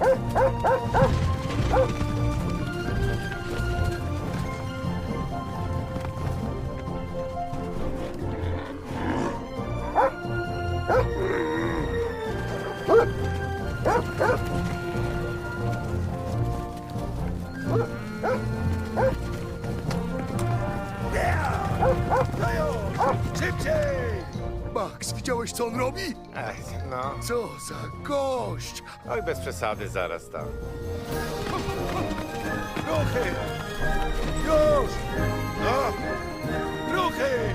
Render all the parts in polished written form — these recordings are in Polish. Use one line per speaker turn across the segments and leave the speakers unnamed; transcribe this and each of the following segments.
Szybciej! Max, widziałeś, co on robi?
No,
Co za gość!
oj, bez przesady, zaraz tam.
Ruchy! Już! No! Ruchy!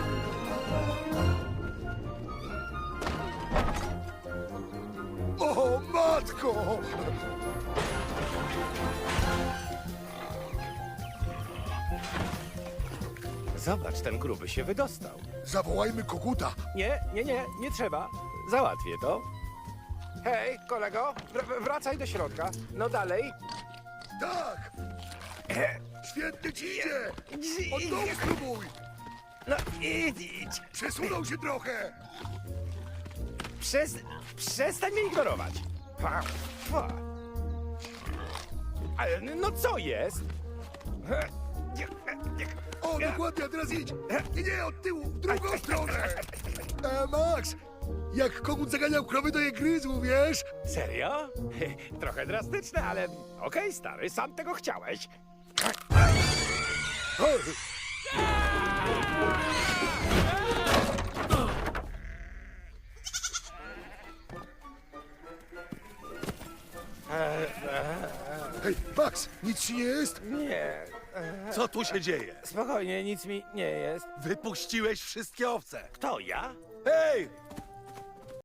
O, matko!
Zobacz, ten gruby się wydostał.
Zawołajmy koguta.
Nie trzeba. Załatwię to. Hej, kolego, wracaj do środka. No dalej.
Tak! Świetnie ci idzie! Od dołu spróbuj!
No idź.
Przesunął się trochę!
Przestań mnie ignorować. Ale no co jest?
O, dokładnie, a teraz idź! Nie, od tyłu, w drugą stronę! Max, jak kogut zaganiał krowy, to je gryzł, wiesz?
Serio? Trochę drastyczne, ale okej, stary, sam tego chciałeś.
O, hej, Max, nic ci nie jest?
Nie,
Co tu się dzieje?
spokojnie, nic mi nie jest.
Wypuściłeś wszystkie owce.
Kto, ja?
Hej,